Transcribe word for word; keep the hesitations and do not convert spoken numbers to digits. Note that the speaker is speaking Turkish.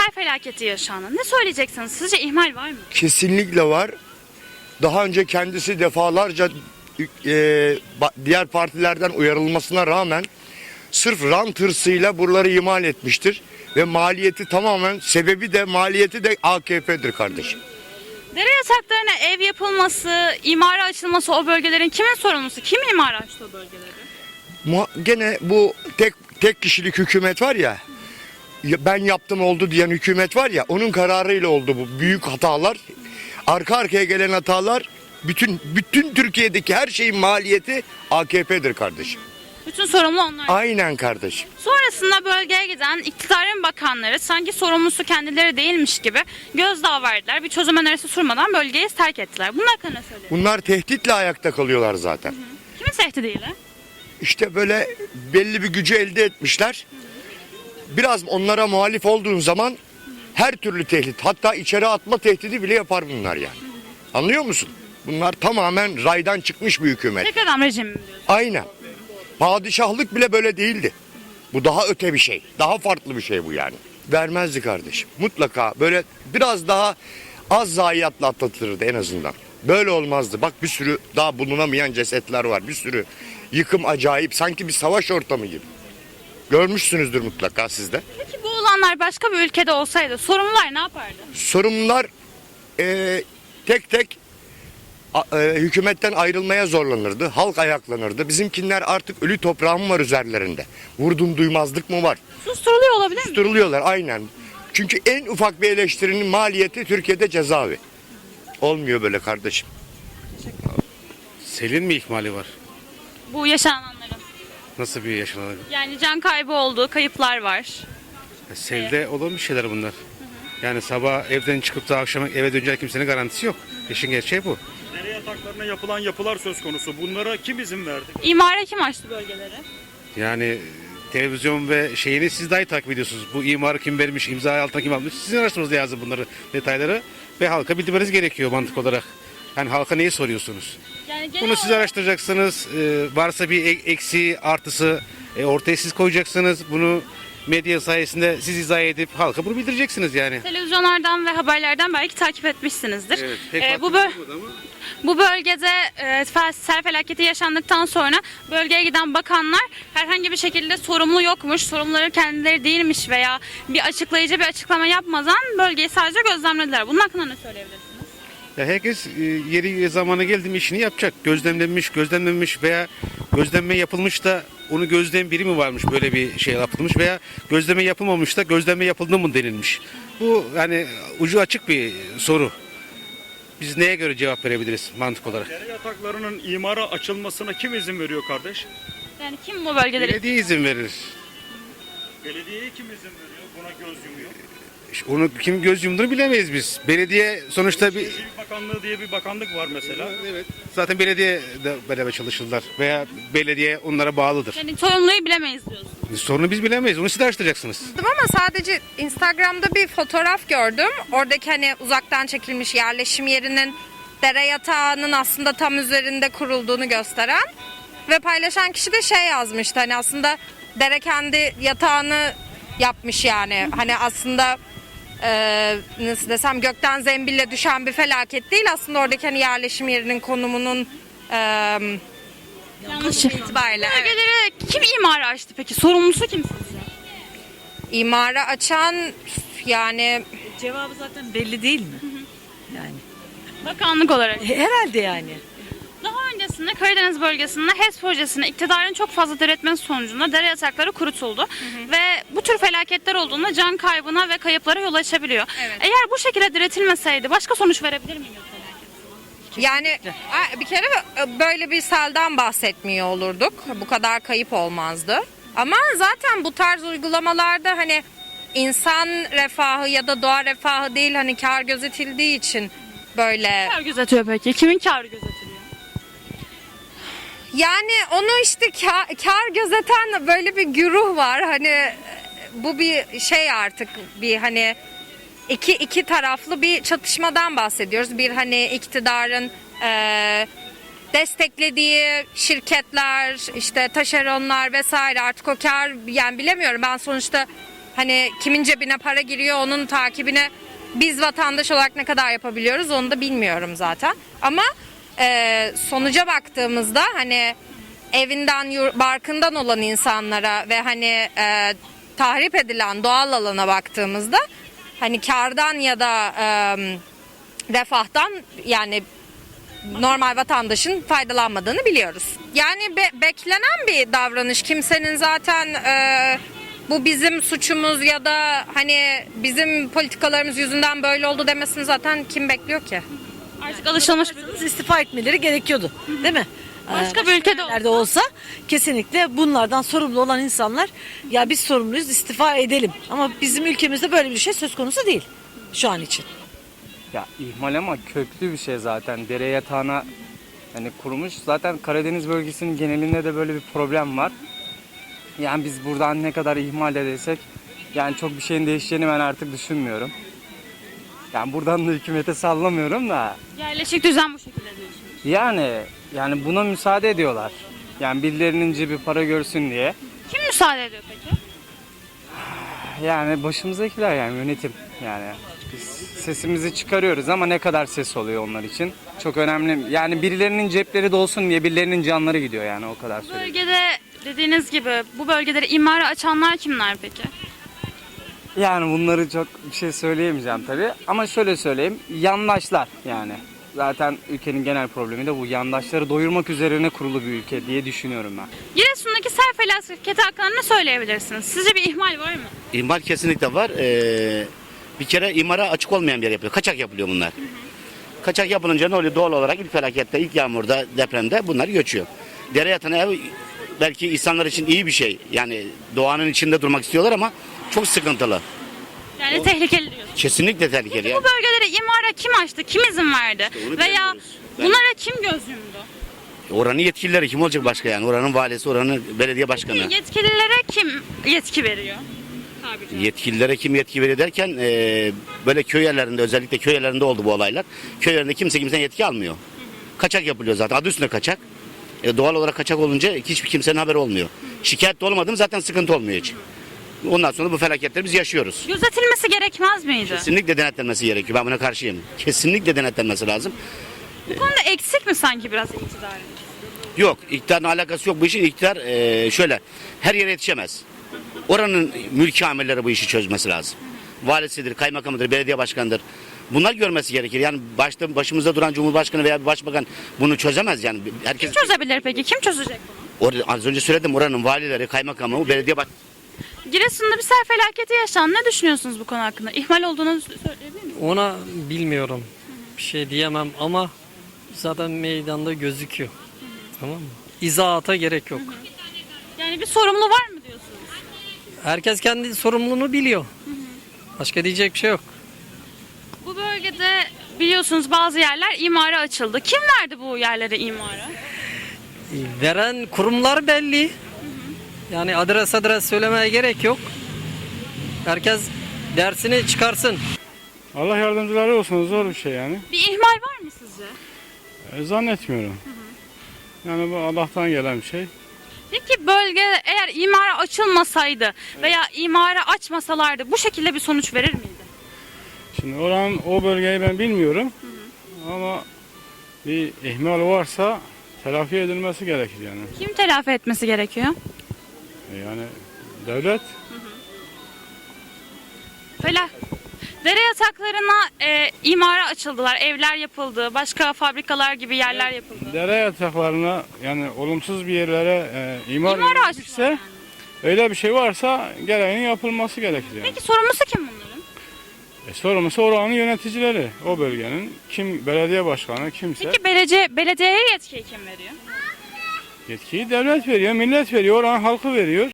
sel felaketi yaşandı. Ne söyleyeceksiniz? Sizce ihmal var mı? Kesinlikle var. Daha önce kendisi defalarca e, ba- diğer partilerden uyarılmasına rağmen sırf rant hırsıyla buraları ihmal etmiştir. Ve maliyeti tamamen, sebebi de maliyeti de A K P'dir kardeşim. Dere yataklarına ev yapılması, imara açılması o bölgelerin kimin sorumlusu? Kim imara açtı o bölgeleri? Muha- Gene bu tek tek kişilik hükümet var ya, ya ben yaptım oldu diyen hükümet var ya, onun kararıyla oldu bu büyük hatalar. Arka arkaya gelen hatalar, bütün bütün Türkiye'deki her şeyin maliyeti A K P'dir kardeşim. Bütün sorumlu onlar. Aynen kardeşim. Sonrasında bölgeye giden iktidarın bakanları sanki sorumlusu kendileri değilmiş gibi gözdağı verdiler. Bir çözüm önerisi sunmadan bölgeyi terk ettiler. Bunun hakkında ne söylüyorsunuz? Bunlar tehditle ayakta kalıyorlar zaten. Kimin tehdidiyle? İşte böyle belli bir gücü elde etmişler. Biraz onlara muhalif olduğun zaman her türlü tehdit, hatta içeri atma tehdidi bile yapar bunlar yani. Anlıyor musun? Bunlar tamamen raydan çıkmış bir hükümet. Tek adam rejimi mi diyorsun? Aynen. Padişahlık bile böyle değildi. Bu daha öte bir şey. Daha farklı bir şey bu yani. Vermezdi kardeşim. Mutlaka böyle biraz daha az zayiatla atlatılırdı en azından. Böyle olmazdı. Bak bir sürü daha bulunamayan cesetler var. Bir sürü yıkım acayip. Sanki bir savaş ortamı gibi. Görmüşsünüzdür mutlaka siz de. Peki bu olanlar başka bir ülkede olsaydı sorumlular ne yapardı? Sorumlular eee, tek tek a- eee, hükümetten ayrılmaya zorlanırdı. Halk ayaklanırdı. Bizimkinler artık ölü toprağım var üzerlerinde. Vurdum duymazlık mı var? Susturuluyor olabilir mi? Susturuluyorlar aynen. Çünkü en ufak bir eleştirinin maliyeti Türkiye'de cezaevi. Olmuyor böyle kardeşim. Selin mi ihmali var? Bu yaşananların. Nasıl bir yaşanan? Yani can kaybı oldu, kayıplar var. Selde olan bir şeyler bunlar. Yani sabah evden çıkıp da akşam eve dönecek kimsenin garantisi yok. İşin gerçeği bu. Dere yataklarına yapılan yapılar söz konusu. Bunlara kim izin verdi? İmara kim açtı bölgeleri? Yani televizyon ve şeyini siz dahi takip ediyorsunuz. Bu imarı kim vermiş, imza altına kim almış. Sizin araştırmanız lazım bunları, detayları. Ve halka bildirmeniz gerekiyor mantık olarak. Yani halka neyi soruyorsunuz? Yani genel Bunu siz olarak- araştıracaksınız. Ee, varsa bir ek- eksiği, artısı e, ortaya siz koyacaksınız. Bunu medya sayesinde siz izah edip halka bunu bildireceksiniz yani. Televizyonlardan ve haberlerden belki takip etmişsinizdir. Evet, pek Ee, bu, vaktim böl- olmadı ama- bu bölgede e, fel- sel felaketi yaşandıktan sonra bölgeye giden bakanlar herhangi bir şekilde sorumlu yokmuş, sorumluları kendileri değilmiş veya bir açıklayıcı bir açıklama yapmadan bölgeyi sadece gözlemlediler. Bunun hakkında ne söyleyebilirsiniz? Ya herkes e, yeri ve zamanı geldi mi işini yapacak. Gözlemlenmiş, gözlemlenmiş veya gözlenme yapılmış da onu gözleyen biri mi varmış böyle bir şey yapılmış veya gözleme yapılmamış da gözleme yapıldı mı denilmiş. Bu yani ucu açık bir soru. Biz neye göre cevap verebiliriz mantık olarak? Dere yataklarının imara açılmasına kim izin veriyor kardeş? Yani kim bu bölgeleri? Belediye izin verir. Belediyeye kim izin veriyor? Buna göz yumuyor. İşte onu kim göz yumduğunu bilemeyiz biz. Belediye sonuçta bir... Şehircilik Bakanlığı diye bir bakanlık var mesela. Evet. Zaten belediye de beraber çalışırlar veya belediye onlara bağlıdır. Yani sorumluyu bilemeyiz diyorsun. Sorunu biz bilemeyiz. Onu siz araştıracaksınız. Ama sadece Instagram'da bir fotoğraf gördüm. Oradaki hani uzaktan çekilmiş yerleşim yerinin dere yatağının aslında tam üzerinde kurulduğunu gösteren ve paylaşan kişi de şey yazmıştı, hani aslında dere kendi yatağını yapmış yani. Hani aslında e, nasıl desem gökten zembille düşen bir felaket değil, aslında oradaki hani yerleşim yerinin konumunun e, Yanlış. itibariyle evet. Bölgeleri kim imara açtı peki? Sorumlusu kim sizce? imara açan yani Cevabı zaten belli değil mi? Yani Bakanlık olarak. herhalde yani. Daha öncesinde Karadeniz bölgesinde HES projesine iktidarın çok fazla diretmesi sonucunda dere yatakları kurutuldu. Ve bu tür felaketler olduğunda can kaybına ve kayıplara yol açabiliyor. Evet. Eğer bu şekilde diretilmeseydi başka sonuç verebilir miydi? Yani a- bir kere böyle bir selden bahsetmiyor olurduk. Bu kadar kayıp olmazdı. Ama zaten bu tarz uygulamalarda hani insan refahı ya da doğa refahı değil, hani kar gözetildiği için böyle. Kar gözetiyor peki? Kimin karı gözetiliyor? Yani onu işte kar, kar gözeten böyle bir güruh var. Hani bu bir şey, artık bir hani iki iki taraflı bir çatışmadan bahsediyoruz. Bir hani iktidarın eee, desteklediği şirketler, işte taşeronlar vesaire, artık o kar, yani bilemiyorum, ben sonuçta Hani kimin cebine para giriyor onun takibini biz vatandaş olarak ne kadar yapabiliyoruz onu da bilmiyorum zaten. Ama e, sonuca baktığımızda hani evinden yur- barkından olan insanlara ve hani e, tahrip edilen doğal alana baktığımızda hani kardan ya da e, refahtan yani normal vatandaşın faydalanmadığını biliyoruz. Yani be- beklenen bir davranış. Kimsenin zaten e, bu bizim suçumuz ya da hani bizim politikalarımız yüzünden böyle oldu demesini zaten kim bekliyor ki? Artık alışılmış bir durum. İstifa etmeleri gerekiyordu. Değil mi? Başka Ee, bir ülkede yerlerde olsa kesinlikle bunlardan sorumlu olan insanlar ya biz sorumluyuz istifa edelim. Ama bizim ülkemizde böyle bir şey söz konusu değil şu an için. Ya ihmal ama köklü bir şey zaten. Dere yatağına hani kurumuş. Zaten Karadeniz bölgesinin genelinde de böyle bir problem var. Yani biz buradan ne kadar ihmal edesek yani çok bir şeyin değişeceğini ben artık düşünmüyorum. Yani buradan da hükümete sallamıyorum da Yerleşik düzen bu şekilde diyorsunuz. yani yani buna müsaade ediyorlar. Yani birilerinin cebi para görsün diye. Kim müsaade ediyor peki? Yani başımızdakiler yani yönetim yani. Biz sesimizi çıkarıyoruz ama ne kadar ses oluyor onlar için çok önemli. Yani birilerinin cepleri dolsun diye birilerinin canları gidiyor yani o kadar söyleyeyim. Bölgede dediğiniz gibi bu bölgeleri imara açanlar kimler peki? Yani bunları çok bir şey söyleyemeyeceğim tabii ama şöyle söyleyeyim yandaşlar yani. Zaten ülkenin genel problemi de bu yandaşları doyurmak üzerine kurulu bir ülke diye düşünüyorum ben. Giresun'daki sel felaketi hakkında ne söyleyebilirsiniz? Sizce bir ihmal var mı? İmar kesinlikle var. Ee, bir kere imara açık olmayan bir yer yapıyor. Kaçak yapılıyor bunlar. Hı hı. Kaçak yapılınca ne oluyor? Doğal olarak ilk felakette, ilk yağmurda, depremde bunlar göçüyor. Dere yatağına ev belki insanlar için iyi bir şey. Yani doğanın içinde durmak istiyorlar ama çok sıkıntılı. Yani tehlikeli diyorsunuz. Kesinlikle tehlikeli. Peki Yani. bu bölgeleri imara kim açtı? Kim izin verdi? onu Veya bilemiyoruz. Ben- bunlara kim göz yumdu? Oranın yetkilileri kim olacak başka yani? Oranın valisi, oranın belediye başkanı. Yetkililere kim yetki veriyor? Tabiri caizse. Yetkililere kim yetki veriyor derken e, böyle köy yerlerinde özellikle köy yerlerinde oldu bu olaylar. Köy yerlerinde kimse kimsenin yetki almıyor. Kaçak yapılıyor zaten. Adı üstünde kaçak. E, doğal olarak kaçak olunca hiçbir kimsenin haberi olmuyor. Şikayet de olmadım zaten sıkıntı olmuyor hiç. Ondan sonra bu felaketleri biz yaşıyoruz. Gözetilmesi gerekmez miydi? Kesinlikle denetlenmesi gerekiyor. Ben buna karşıyım. Kesinlikle denetlenmesi lazım. Bu konuda eksik mi sanki biraz iktidarın? Yok, iktidarla alakası yok bu işin. İktidar e, şöyle, her yere yetişemez. Oranın mülki amirleri bu işi çözmesi lazım. Valisidir, kaymakamıdır, belediye başkanıdır. Bunlar görmesi gerekir. Yani başta başımızda duran Cumhurbaşkanı veya bir başbakan bunu çözemez yani. Herkes Kim çözebilir peki? Kim çözecek bunu? Or- az önce söyledim oranın valileri, kaymakamı, belediye baş... Giresun'da bir sel felaketi yaşandı. Ne düşünüyorsunuz bu konu hakkında? İhmal olduğunu söyleyebilir misiniz? Ona bilmiyorum. Bir şey diyemem ama zaten meydanda gözüküyor. Tamam mı? İzahata gerek yok. Yani bir sorumlu var mı diyorsunuz? Herkes kendi sorumluluğunu biliyor. Başka diyecek bir şey yok. Bu bölgede biliyorsunuz bazı yerler imara açıldı. Kim verdi bu yerlere imara? Veren kurumlar belli. Yani adres adres söylemeye gerek yok. Herkes dersini çıkarsın. Allah yardımcıları olsun, zor bir şey yani. Bir ihmal var mı sizce? E, zannetmiyorum. Yani bu Allah'tan gelen bir şey. Peki bölge eğer imara açılmasaydı veya imara açmasalardı bu şekilde bir sonuç verir miydi? Şimdi oranın o bölgeyi ben bilmiyorum. Ama bir ihmal varsa telafi edilmesi gerekir yani. Kim telafi etmesi gerekiyor? E, yani devlet. Fela. Dere yataklarına e, imara açıldılar, evler yapıldı, başka fabrikalar gibi yerler yapıldı. Dere yataklarına yani olumsuz bir yerlere e, imar İmara açtılar edilmişse yani. öyle bir şey varsa gereğinin yapılması gerekir yani. Peki sorumlusu kim bunların? E, sorumlusu oranın yöneticileri, o bölgenin kim belediye başkanı kimse. Peki belediye, belediyeye yetkiyi kim veriyor? Yetkiyi devlet veriyor, millet veriyor, oranın halkı veriyor.